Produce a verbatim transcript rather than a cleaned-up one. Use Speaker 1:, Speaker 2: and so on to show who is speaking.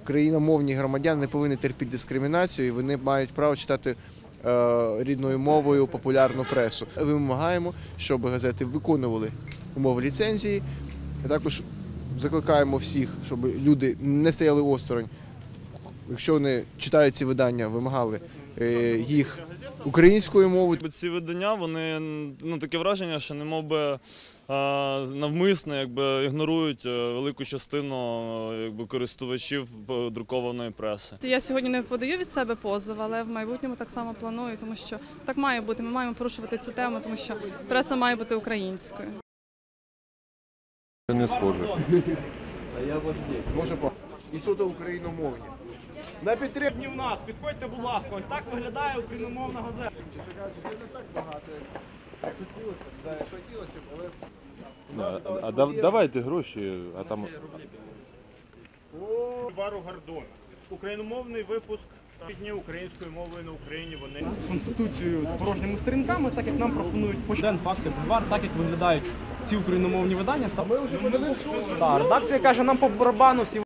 Speaker 1: Україномовні громадяни не повинні терпіти дискримінацію, і вони мають право читати е, рідною мовою популярну пресу. Ми вимагаємо, щоб газети виконували умови ліцензії. Також закликаємо всіх, щоб люди не стояли осторонь. Якщо вони читають ці видання, вимагали е, їх українською мовою.
Speaker 2: Ці видання, вони, ну, таке враження, що немов би навмисно, якби, ігнорують велику частину, якби, користувачів друкованої преси.
Speaker 3: Я сьогодні не подаю від себе позов, але в майбутньому так само планую, тому що так має бути. Ми маємо порушувати цю тему, тому що преса має бути українською.
Speaker 4: Не схоже.
Speaker 1: Може, і суто україномовні.
Speaker 5: На підтримні в нас, підходьте, будь ласка, ось так виглядає україномовна газета.
Speaker 4: А, а давайте гроші, а там...
Speaker 5: Вару Гордон. Україномовний випуск дні українською мовою на Україні. Вони
Speaker 6: Конституцію з порожніми сторінками, так як нам пропонують почден, факти, бульвар, так як виглядають ці україномовні видання. Ми вже редакція каже, нам по барабану всі